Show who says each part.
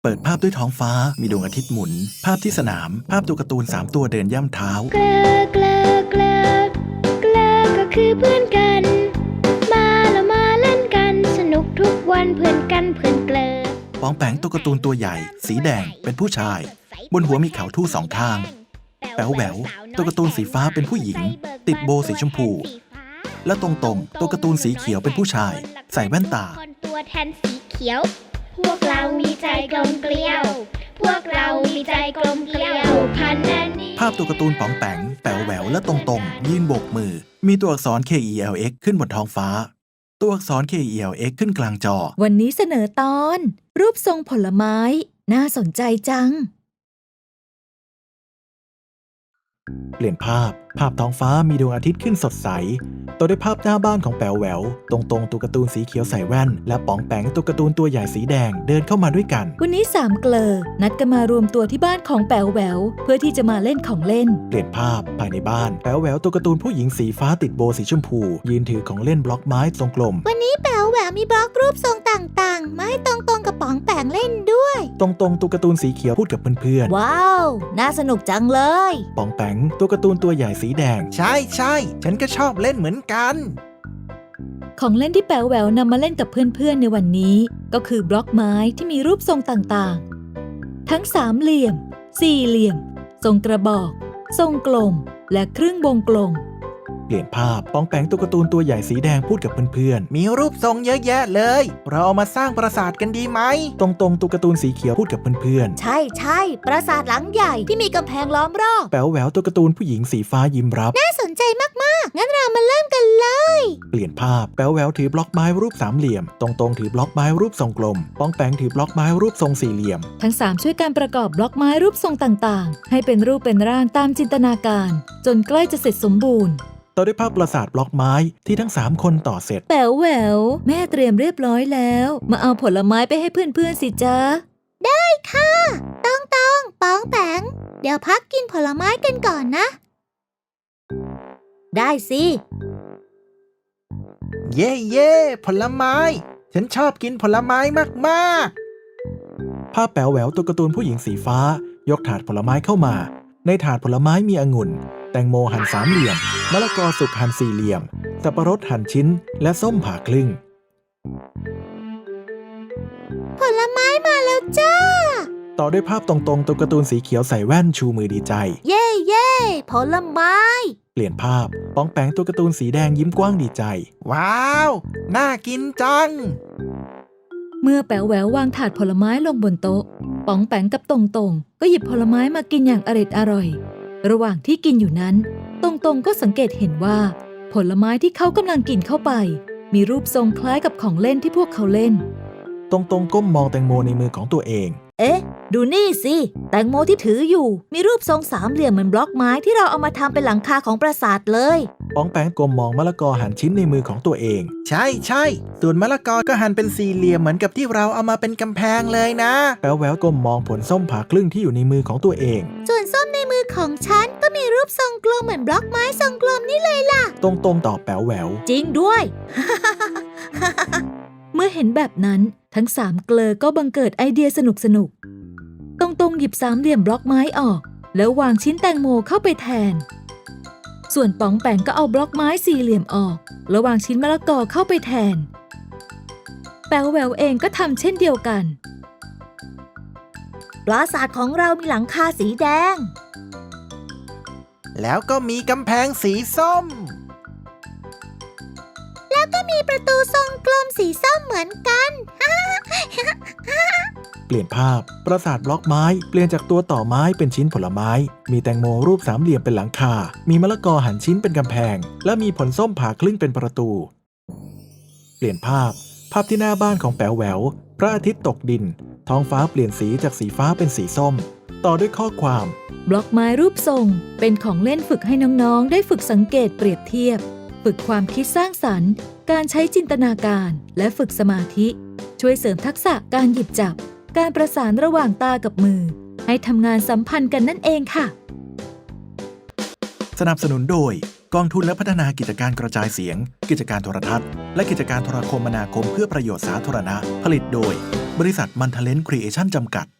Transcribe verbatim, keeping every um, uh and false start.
Speaker 1: เปิดภาพด้วยท้องฟ้ามีดวงอาทิตย์หมุนภาพที่สนามภาพตัวการ์ตูนสามตัวเดินย่ำเท้า
Speaker 2: เกลอเกลอเกลอเกลอก็คือเพื่อนกันมาแล้วมาเล่นกันสนุกทุกวันเพื่อนกันเพื่อนเกลอ
Speaker 1: ปองแปงตัวการ์ตูนตัวใหญ่สีแดงเป็นผู้ชายบนหัวมีเขาทู่สองข้างแป๋วแหววตัวการ์ตูนสีฟ้าเป็นผู้หญิงติดโบว์สีชมพูและตรงตรงตัวการ์ตูนสีเขียวเป็นผู้ชายใส่แว่นตา
Speaker 2: คนตัวแทนสีเขียวพวกเรามีใจกลมเกลียวพวกเรามีใจกลมเกลียวพันนันนี้
Speaker 1: ภาพตัวการ์ตูนป๋องแปงแป๋วแหววและตรงตรงยืนโบกมือมีตัวอักษร เค อี แอล เอ็กซ์ ขึ้นบนท้องฟ้าตัวอักษร เค อี แอล เอ็กซ์ ขึ้นกลางจอ
Speaker 3: วันนี้เสนอตอนรูปทรงผลไม้น่าสนใจจัง
Speaker 1: เปลี่ยนภาพภาพท้องฟ้ามีดวงอาทิตย์ขึ้นสดใสต่อด้วยภาพหน้าบ้านของแป๋วแหววตรงตรงตัวการ์ตูนสีเขียวใส่แว่นและป๋องแปงตัวการ์ตูนตัวใหญ่สีแดงเดินเข้ามาด้วยกัน
Speaker 3: วันนี้สามเกลอนัดกันมารวมตัวที่บ้านของแป๋วแหววเพื่อที่จะมาเล่นของเล่น
Speaker 1: เปลี่ยนภาพภายในบ้านแป๋วแหววตัวการ์ตูนผู้หญิงสีฟ้าติดโบว์สีชมพูยืนถือของเล่นบล็อกไม้ทรงกลม
Speaker 4: วันนี้แป๋วแหววมีบล็อกรูปทรงต่างๆมาให้ตรงๆกับป๋องแปงเล่นด้วย
Speaker 1: ตรงตรงตัวการ์ตูนสีเขียวพูดกับเพื่อน
Speaker 4: ๆว้าวน่าสนุกจังเลย
Speaker 1: ป๋องแปงตัวการ์ตูนตัวใหญ่สีแดง
Speaker 5: ใช่ใช่ฉันก็ชอบเล่นเหมือนกัน
Speaker 3: ของเล่นที่แป๋วแหววนำมาเล่นกับเพื่อนๆในวันนี้ก็คือบล็อกไม้ที่มีรูปทรงต่างๆทั้งสามเหลี่ยมสี่เหลี่ยมทรงกระบอกทรงกลมและครึ่งวงกลม
Speaker 1: เปลี่ยนภาพป๋องแปงตัวการ์ตูนตัวใหญ่สีแดงพูดกับเพื่อน
Speaker 5: ๆมีรูปทรงเยอะแยะเลยเราเอามาสร้างปราสาทกันดีไหม
Speaker 1: ตรงตรงตัวการ์ตูนสีเขียวพูดกับเพื่อน
Speaker 4: ๆใช่ใช่ปราสาทหลังใหญ่ที่มีกำแพงล้อมรอบ
Speaker 1: แป๋วแหววตัวการ์ตูนผู้หญิงสีฟ้ายิ้มรับ
Speaker 4: น่าสนใจมากๆงั้นเรามาเริ่มกันเลย
Speaker 1: เปลี่ยนภาพแป๋วแหววถือบล็อกไม้รูปสามเหลี่ยมตรงตรงถือบล็อกไม้รูปทรงกลมป๋องแปงถือบล็อกไม้รูปทรงสี่เหลี่ยม
Speaker 3: ทั้งสามช่วยการประกอบบล็อกไม้รูปทรงต่างๆให้เป็นรูปเป็นร่างตามจินตนาการจนใกล้จะเสร็จสมบูรณ์
Speaker 1: ต่อด้วยภาพปราสาทบล็อกไม้ที่ทั้งสามคนต่อเสร็จ
Speaker 3: แป๋วแหววแม่เตรียมเรียบร้อยแล้วมาเอาผลไม้ไปให้เพื่อนๆสิจ๊ะ
Speaker 4: ได้ค่ะต้องต้องป๋องแปงเดี๋ยวพักกินผลไม้กันก่อนนะได้สิ
Speaker 5: เย่เย่ผลไม้ฉันชอบกินผลไม้มาก
Speaker 1: ๆภาพแป๋วแหววตัวการ์ตูนผู้หญิงสีฟ้ายกถาดผลไม้เข้ามาในถาดผลไม้มีองุ่นแตงโมหั่นสามเหลี่ยมมะละกอสุกหั่นสี่เหลี่ยมสับปะรดหั่นชิ้นและส้มผ่าครึ่ง
Speaker 4: ผลไม้มาแล้วจ้า
Speaker 1: ต่อด้วยภาพตรงๆตัวการ์ตูนสีเขียวใส่แว่นชูมือดีใจ
Speaker 4: เย่เย่ผลไม้
Speaker 1: เปลี่ยนภาพป๋องแปงตัวการ์ตูนสีแดงยิ้มกว้างดีใจ
Speaker 5: ว้าวน่ากินจัง
Speaker 3: เมื่อแป๋วแหวววางถาดผลไม้ลงบนโต๊ะป๋องแปงกับตรงตรงก็หยิบผลไม้มากินอย่างอร็ดอร่อยระหว่างที่กินอยู่นั้นตรงตรงก็สังเกตเห็นว่าผลไม้ที่เขากำลังกินเข้าไปมีรูปทรงคล้ายกับของเล่นที่พวกเขาเล่น
Speaker 1: ตรงตรงก้มมองแตงโมในมือของตัวเอง
Speaker 4: เอ๊ะดูนี่สิแตงโมที่ถืออยู่มีรูปทรงสามเหลี่ยมเหมือนบล็อกไม้ที่เราเอามาทำเป็นหลังคาของปราสาทเลย
Speaker 1: ป๋องแปงก้มมองมะละกอหั่นชิ้นในมือของตัวเอง
Speaker 5: ใช่ใช่ส่วนมะละกอก็หั่นเป็นสี่เหลี่ยมเหมือนกับที่เราเอามาเป็นกำแพงเลยนะ
Speaker 1: แป๋วแหววก้มมองผลส้มผ่าครึ่งที่อยู่ในมือของตัวเอง
Speaker 4: ส่วนส้มในมือของฉันก็มีรูปทรงกลมเหมือนบล็อกไม้ทรงกลมนี่เลยล่ะ
Speaker 1: ตรงตรงตอบแป๋วแหวว
Speaker 4: จริงด้วย
Speaker 3: เมื่อเห็นแบบนั้นทั้งสามเกลอก็บังเกิดไอเดียสนุกสนุกตรงตรงหยิบสามเหลี่ยมบล็อกไม้ออกแล้ววางชิ้นแตงโมเข้าไปแทนส่วนป๋องแปงก็เอาบล็อกไม้สี่เหลี่ยมออกแล้ววางชิ้นมะละกอเข้าไปแทนแป๋วแหววเองก็ทำเช่นเดียวกัน
Speaker 4: ปราสาทของเรามีหลังคาสีแดง
Speaker 5: แล้วก็มีกำแพงสีส้ม
Speaker 4: แล้วก็มีประตูทรงกลมสีส้มเหมือนกัน
Speaker 1: เปลี่ยนภาพปราสาทบล็อกไม้เปลี่ยนจากตัวต่อไม้เป็นชิ้นผลไม้มีแตงโมรูปสามเหลี่ยมเป็นหลังคามีมะละกอหั่นชิ้นเป็นกำแพงและมีผลส้มผ่าครึ่งเป็นประตูเปลี่ยนภาพภาพที่หน้าบ้านของแป๋วแหววพระอาทิตย์ตกดินท้องฟ้าเปลี่ยนสีจากสีฟ้าเป็นสีส้มต่อด้วยข้อความ
Speaker 3: บล็อกไม้รูปทรงเป็นของเล่นฝึกให้น้องๆได้ฝึกสังเกตเปรียบเทียบฝึกความคิดสร้างสรรค์การใช้จินตนาการและฝึกสมาธิช่วยเสริมทักษะการหยิบจับการประสานระหว่างตากับมือให้ทำงานสัมพันธ์กันนั่นเองค่ะ
Speaker 1: สนับสนุนโดยกองทุนและพัฒนากิจการกระจายเสียงกิจการโทรทัศน์และกิจการโทรคมนาคมเพื่อประโยชน์สาธารณะผลิตโดยบริษัทมันเทเลนครีเอชั่นจำกัด